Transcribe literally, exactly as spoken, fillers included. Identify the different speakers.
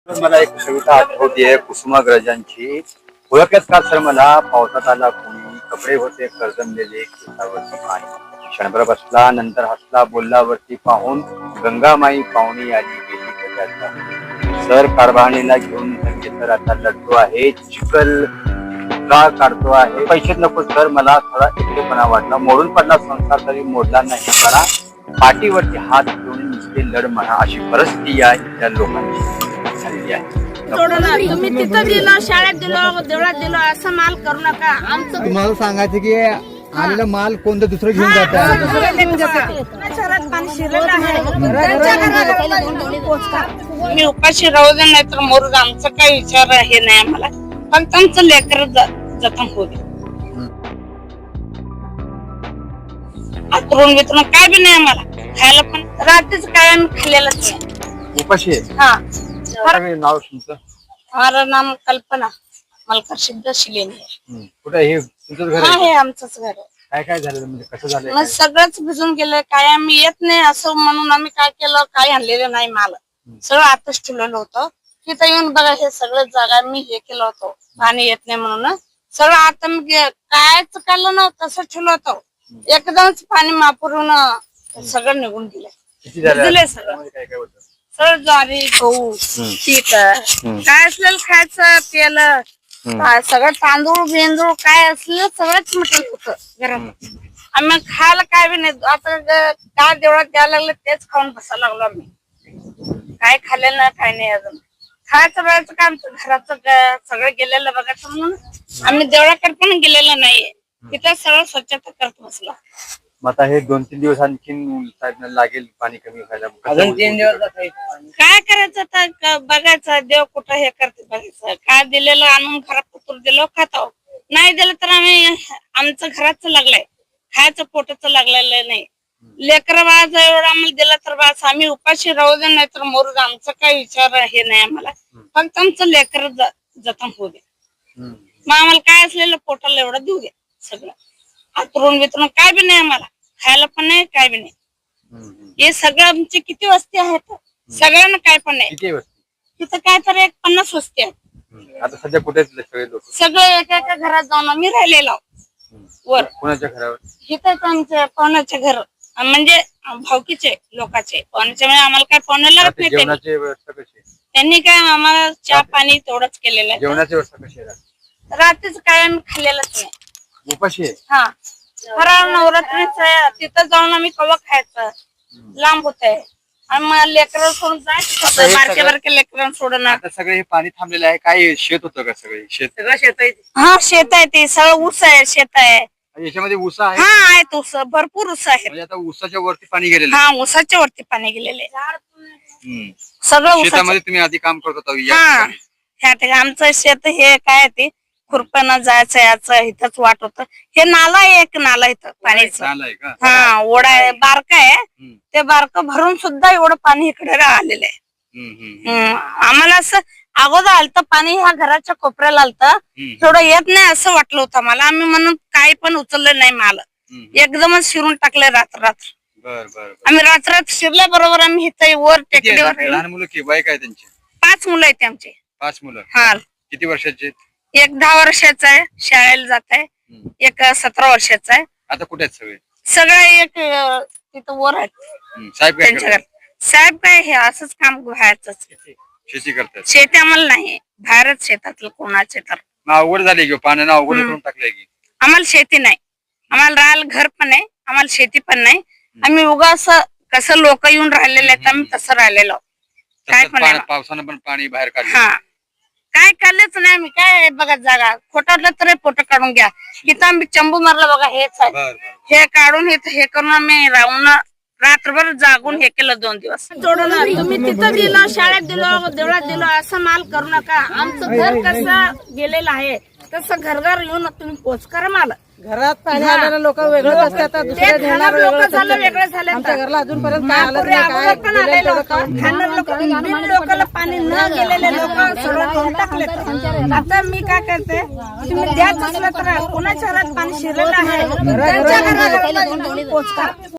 Speaker 1: मला एक कविता आठवतीये कुसुमाग्रजांची. ओळखत का सर मला पावसात आला कोणी, कपडे होते करजमलेले केसावरती पाणी, क्षणभर बसला नंतर हसला बोलला वरती पाहून, गंगामाई पाहुणी आली गेली कशाचा. सर कारभारणीला घेऊन संगे सर आता लढतो आहे, चिखल का काढतो आहे. पैसे नको सर मला थोडा एकटेपणा वाटला, मोडून पडला संसार तरी मोडला नाही मला, पाठीवरती हात घेऊन नुसते लढ म्हणा अशी परिस्थिती या इथल्या लोकांची झालेली आहे.
Speaker 2: तुम्ही तिथं दिलं, शाळेत दिलं, देवळात दिलं, असं माल करू नका. आमचं
Speaker 3: तुम्हाला सांगायचं की आलेला माल कोणतं दुसरं घेऊन जातात.
Speaker 2: पाणी शिरलेलं आहे. मी उपाशी राहू दे नाही तर मोरू दे, आमचं काही विचार हे नाही आम्हाला, फक्त आमचं लेकर जतन होऊ दे. आतरून बितरून काय बी नाही आम्हाला खायला, पण रात्रीच काय आम्ही खाल्लेलंच नाही.
Speaker 1: उपाशी आहे.
Speaker 2: हा
Speaker 1: नाव तुमचं?
Speaker 2: माझं नाम कल्पना मलकर सिद्ध शिलेनी.
Speaker 1: कुठे हे तुमचं घर
Speaker 2: हा
Speaker 1: आहे?
Speaker 2: हे आमचंच घर आहे.
Speaker 1: काय काय झालं म्हणजे कसं झालं?
Speaker 2: मग सगळंच भिजून गेलं, काय आम्ही येत नाही असं म्हणून आम्ही काय केलं, काय आणलेलं नाही माल, सगळं आतच ठेवलेलं होतं. तिथं येऊन बघा हे सगळं जागा मी हे केलं होतं, पाणी येत नाही म्हणून सगळं आता मी कायच काढलं नव्हतं, तसं ठेवलं होतं. एकदमच पाणी मापुरून सगळं निघून गेलं.
Speaker 1: किती झालं?
Speaker 2: दिलंय सगळं,
Speaker 1: काय काय होतं?
Speaker 2: सगळं ज्वारी गहू पीक काय असलेलं खायचं प्यायलं, काय सगळं तांदूळ बेंदूळ काय असलेलं सगळंच मटण होतं घरात. आम्ही खायला काय बी नाही. आता काय देवळात द्यायला लागलं तेच खाऊन बसायला लागलो आम्ही, काय खाल्लेलं नाही काय नाही. अजून खायचं बघायचं काय आमचं घराचं सगळं गेलेलं बघायचं म्हणून आम्ही देवळाकडे पण गेलेलं नाहीये. तिथं सगळं स्वच्छता करत बसला.
Speaker 1: मग आता हे दोन तीन दिवस आणखीन लागेल पाणी कमी व्हायला.
Speaker 3: अजून तीन दिवस
Speaker 2: काय करायचं आता, बघायचं देव कुठं हे करते बघायचं. काय दिलेलं आणून घरात पुतूर दिलं खातो, नाही दिलं तर आम्ही आमचं घराचं लागलंय, खायचं पोटाचं लागलेलं नाही. लेकर बाळाचं एवढं आम्हाला दिलं तर बास आम्ही उपाशी राहू दे नाही तर मोरू दे, आमचं काही विचार हे नाही आम्हाला, फक्त आमचं लेकर जतन होऊ दे. मग आम्हाला काय असलेलं पोटाला एवढं देऊ दे. सगळं आतरून बितरून काय बी नाही आम्हाला खायला पण नाही काय बी नाही. हे सगळं आमचे किती वस्ती आहेत, सगळ्यांना काय पण नाही. तिथं काय तर एक पन्नास वस्ती आहेत.
Speaker 1: आता सध्या कुठे सगळे लोक?
Speaker 2: सगळे एका एका घरात जाऊन आम्ही राहिलेलो वर.
Speaker 1: कोणाच्या घरावर?
Speaker 2: इथंच आमच्या पाहुण्याच्या घर, म्हणजे भावकीचे लोकांचे पाहुण्याच्या, म्हणजे आम्हाला काय पाहुणे लागत नाही.
Speaker 1: जेवणाची व्यवस्था कशी?
Speaker 2: त्यांनी काय आम्हाला चहा पाणी तेवढंच केलेलं आहे.
Speaker 1: जेवणाची व्यवस्था कशी आहे?
Speaker 2: रात्रीच काय आम्ही खाल्लेलंच नाही.
Speaker 1: उपाशी आहे.
Speaker 2: हा फराळ नवरात्रीच आहे, तिथं जाऊन आम्ही कवा खायचं, लांब होत आहे. आणि मग लेकरं सोडून जायचं, बारके बारके लेकरं सोडून.
Speaker 1: आता सगळं हे पाणी थांबलेलं आहे, काय शेत होतं का? सगळे शेत?
Speaker 2: सगळं शेत आहे. हा शेत आहे, ते सगळं ऊस आहे, शेत आहे.
Speaker 1: याच्यामध्ये ऊस आहे?
Speaker 2: हा आहेत ऊस, भरपूर ऊस आहे.
Speaker 1: म्हणजे आता ऊसाच्या वरती पाणी गेलेलं?
Speaker 2: हा ऊसाच्या वरती पाणी गेलेले सगळं.
Speaker 1: शेतामध्ये तुम्ही आधी काम करत होता?
Speaker 2: हा ह्या ठिकाणी आमचं शेत हे काय ते खुरपणं जायचं याचं इथंच वाट होत. हे नाला आहे, एक नाला इथं पाणीचं. हा ओढा आहे, बारका आहे. ते बारकं भरून सुद्धा एवढं पाणी इकडे आलेलं आहे. आम्हाला असं अगोदर आलतं पाणी ह्या घराच्या कोपऱ्याला आलतं, थोडं येत नाही असं वाटलं होतं मला. आम्ही म्हणून काही पण उचललं नाही माल, एकदमच शिरून टाकले रात्र रात्र. आम्ही रात्र रात्र शिरल्या बरोबर आम्ही इथं वर टेकडीवर.
Speaker 1: लहान मुलं की वय काय त्यांचे?
Speaker 2: पाच मुलं आहेत आमचे.
Speaker 1: पाच मुलं? हा. किती वर्षाचे?
Speaker 2: एक दहा वर्षाचा आहे, शाळेला जात आहे. एक सतरा वर्षाचा आहे.
Speaker 1: आता कुठे आहेत सगळे?
Speaker 2: सगळे एक तिथं वर आहेत
Speaker 1: साहेब.
Speaker 2: त्यांच्या घर साहेब काय हे असंच काम व्हायचं.
Speaker 1: शेती करतात? शेती
Speaker 2: आम्हाला नाही, बाहेरच शेतातलं कोणाचे तर.
Speaker 1: अवघड झाली की पाण्यानं अवघड करून टाकलंय की.
Speaker 2: आम्हाला शेती नाही, आम्हाला राहायला घर पण नाही, आम्हाला शेती पण नाही. आम्ही उगा असं कसं लोक येऊन राहिलेले आहेत आम्ही तसं राहिलेलो. काय पण
Speaker 1: पावसानं पण पाणी बाहेर काढलं?
Speaker 2: हा काय काढलेच नाही आम्ही. काय बघा जागा खोटावलं तर फोटो काढून घ्या. इथं आम्ही चंबू मारला बघा, हेच आहे. हे काढून हे करून आम्ही राहून रात्रभर जागून हे केलं दोन दिवस. तुम्ही तिथं दिलं, शाळेत दिलं, देवळात दिलं, असं माल करू नका. आमचं घर कसं गेलेलं आहे तसं घरघर येऊन तुम्ही पोच करा माल.
Speaker 4: घरात पाणी आलेलं लोक वेगळंच असतात, दुसऱ्या देणार
Speaker 2: वेगळं झालं.
Speaker 4: आमच्या घरला अजूनपर्यंत काय आलं नाही.
Speaker 2: लोकांना पाणी न गेलेले लोक सगळं टाकले. आता मी काय करते, तुम्ही द्याच असलं तर कोणाच्या घरात पाणी शिरलेलं आहे त्यांच्या घरात पोच करा.